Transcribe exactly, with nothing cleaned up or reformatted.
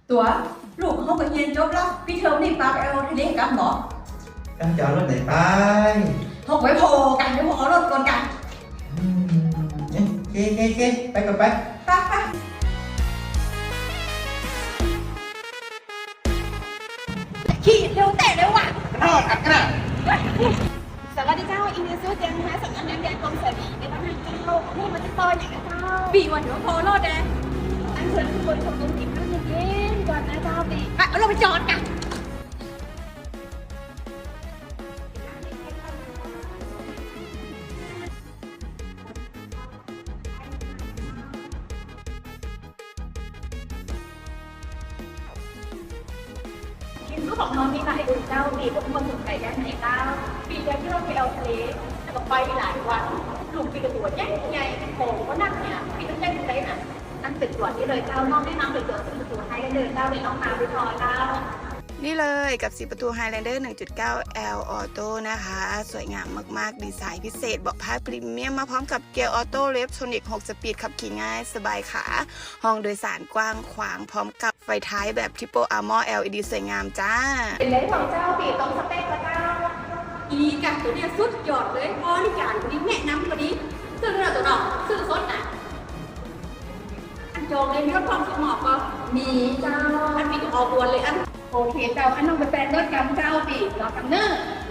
ตัวลูกเขาก็เรียนจบแล้วพี่เทอมนี่ปาไปเอาทะเลกับหมอ Em chọn rốt này bay เขาไว้พอกันเดี๋ยวพอรถก่อนกัน Ok ok ok Bay con bay ไปไป ขี่เร็วแต่เร็วว่ะ Nó thật cái nào สวัสดีเจ้าอินเดียซูเจียงนะคะสำนักงานใหญ่กรมสวัสดิในทางการโลกนี่มันจะซอยไหนนะเจ้าปีวันเดี๋ยวพอรถแดงอันเชิญทุกคนชมนุมที่ข้างเย็นๆก่อนนะเจ้าปีไปเอาเราไปจอดกันทีมรู้ของน้องมีหลายอื่นเจ้าปีพวกคนสนใจด้านไหนเจ้าปีเดียวที่เราไปเอาทะเลแล้วก็ไปหลายวันลูกปีกระตัวใหญ่ใหญ่โผล่ก็นั่งเนี่ยปีต้องได้ดูได้น่ะนั่งตึกตรวจนี่เลยเจ้าน้องแนะนำเลยเจอตึกตรวจให้ได้เลยเจ้าเลยน้องมาไปพอเจ้านี่เลยกับสีประตู Highlander หนึ่งจุดเก้า แอล Auto นะคะ สวยงามมากๆ ดีไซน์พิเศษเบาะผ้าพรีเมียมมาพร้อมกับเกียร์ออโต้เลฟโทนิกหกสปีดขับขี่ง่ายสบายขา ห้องโดยสารกว้างขวางพร้อมกับไฟท้ายแบบ Triple Armor แอล อี ดี สวยงามจ้าเป็นเลยของเจ้าปีตรงสเปคละเจ้าอีกันตัวเนี้ยสุดยอดเลยบริการคนนี้แนะนำคนนี้ซื้อเราตัวหนอกซื้อสดน่ะอันจองเลยมีรถความสมองก็มีเจ้าอันมีตัวออกวนเลยอันโอเคเจ้าอันน้องไปแปลงรถกำเจ้าปีรอกำเนอร์